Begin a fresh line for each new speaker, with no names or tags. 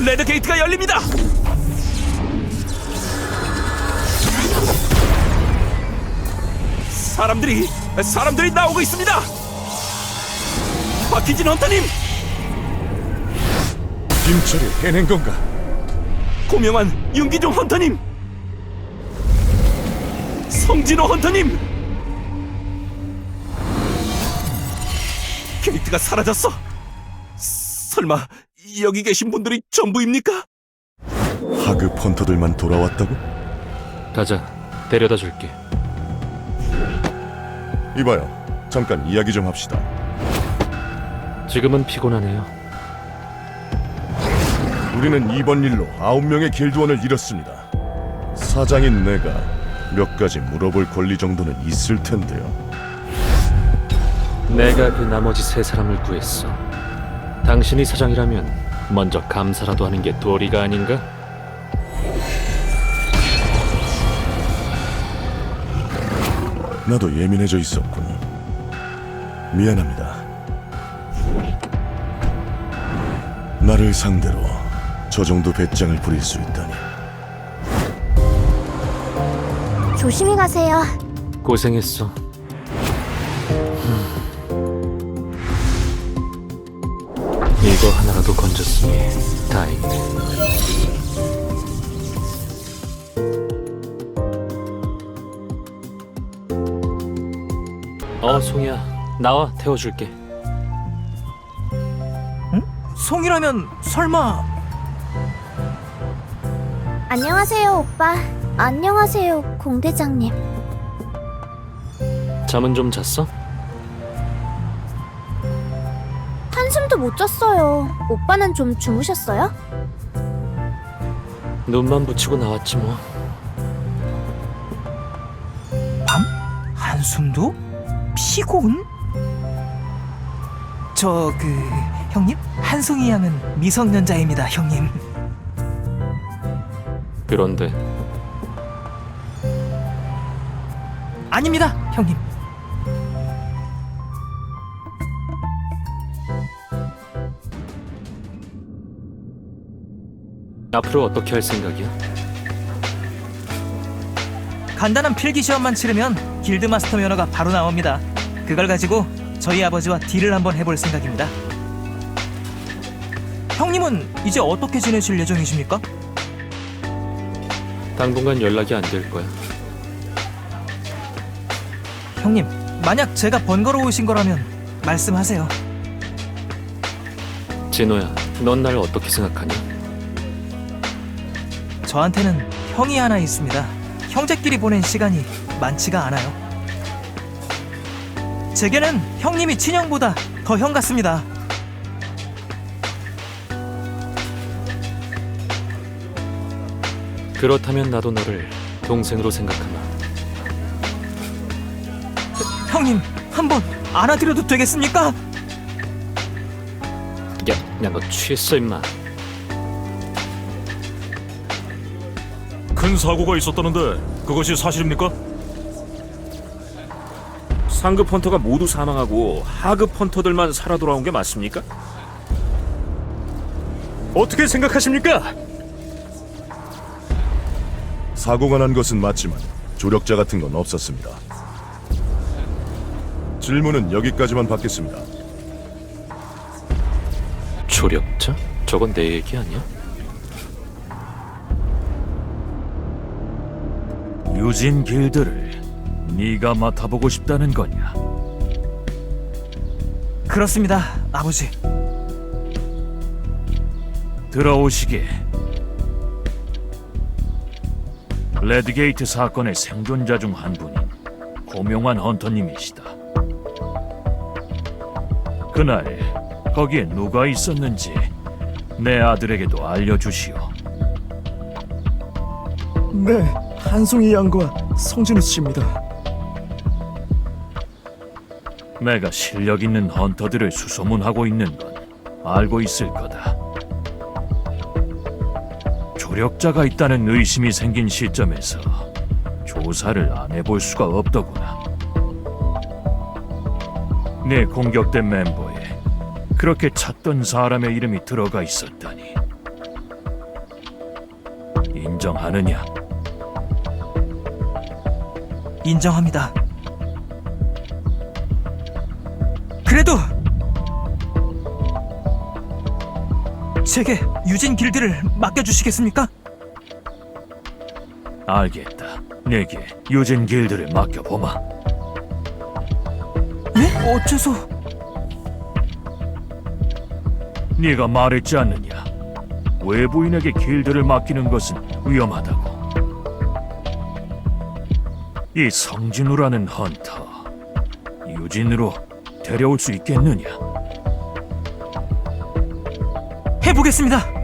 레드 게이트가 열립니다. 사람들이 나오고 있습니다. 박희진 헌터님,
김철이 해낸 건가?
고명환 윤기종 헌터님, 성진호 헌터님. 게이트가 사라졌어. 설마 여기 계신 분들이 전부입니까?
하급 헌터들만 돌아왔다고?
가자, 데려다 줄게.
이봐요, 잠깐 이야기 좀 합시다.
지금은 피곤하네요.
우리는 이번 일로 9명의 길드원을 잃었습니다. 사장인 내가 몇 가지 물어볼 권리 정도는 있을 텐데요.
내가 그 나머지 3사람을 구했어. 당신이 사장이라면 먼저 감사라도 하는 게 도리가 아닌가?
나도 예민해져 있었군. 미안합니다. 나를 상대로 저 정도 배짱을 부릴 수 있다니.
조심히 가세요.
고생했어. 이거 하나라도 건졌으니 다행이네. 송이야, 나와, 태워줄게.
응? 송이라면 설마...
안녕하세요, 오빠. 안녕하세요, 공대장님.
잠은 좀 잤어?
한숨도 못 잤어요. 오빠는 좀 주무셨어요?
눈만 붙이고 나왔지 뭐.
한숨도? 피곤? 형님? 한송이 양은 미성년자입니다, 형님.
그런데
아닙니다, 형님.
앞으로 어떻게 할 생각이야?
간단한 필기 시험만 치르면 길드마스터 면허가 바로 나옵니다. 그걸 가지고 저희 아버지와 딜을 한번 해볼 생각입니다. 형님은 이제 어떻게 지내실 예정이십니까?
당분간 연락이 안 될 거야.
형님, 만약 제가 번거로우신 거라면 말씀하세요.
진호야, 넌 날 어떻게 생각하냐?
저한테는 형이 하나 있습니다. 형제끼리 보낸 시간이 많지가 않아요. 제게는 형님이 친형보다 더 형 같습니다.
그렇다면 나도 너를 동생으로 생각하마.
형님, 한번 안아드려도 되겠습니까?
야, 너 취했어 임마.
큰 사고가 있었다는데 그것이 사실입니까?
상급 헌터가 모두 사망하고 하급 헌터들만 살아 돌아온 게 맞습니까? 어떻게 생각하십니까?
사고가 난 것은 맞지만 조력자 같은 건 없었습니다. 질문은 여기까지만 받겠습니다.
조력자? 저건 내 얘기 아니야?
유진 길드를 네가 맡아보고 싶다는 거냐?
그렇습니다, 아버지.
들어오시게. 레드게이트 사건의 생존자 중 한 분인 고명환 헌터님이시다. 그날 거기에 누가 있었는지 내 아들에게도 알려주시오.
네, 한송이 양과 성진우 씨입니다.
내가 실력 있는 헌터들을 수소문하고 있는 건 알고 있을 거다. 조력자가 있다는 의심이 생긴 시점에서 조사를 안 해볼 수가 없더구나. 내 공격된 멤버에 그렇게 찾던 사람의 이름이 들어가 있었다니. 인정하느냐?
인정합니다. 그래도 제게 유진 길드를 맡겨주시겠습니까?
알겠다. 내게 유진 길드를 맡겨보마.
네? 어째서?
네가 말했지 않느냐? 외부인에게 길드를 맡기는 것은 위험하다고. 이 성진우라는 헌터, 유진으로 데려올 수 있겠느냐?
해보겠습니다.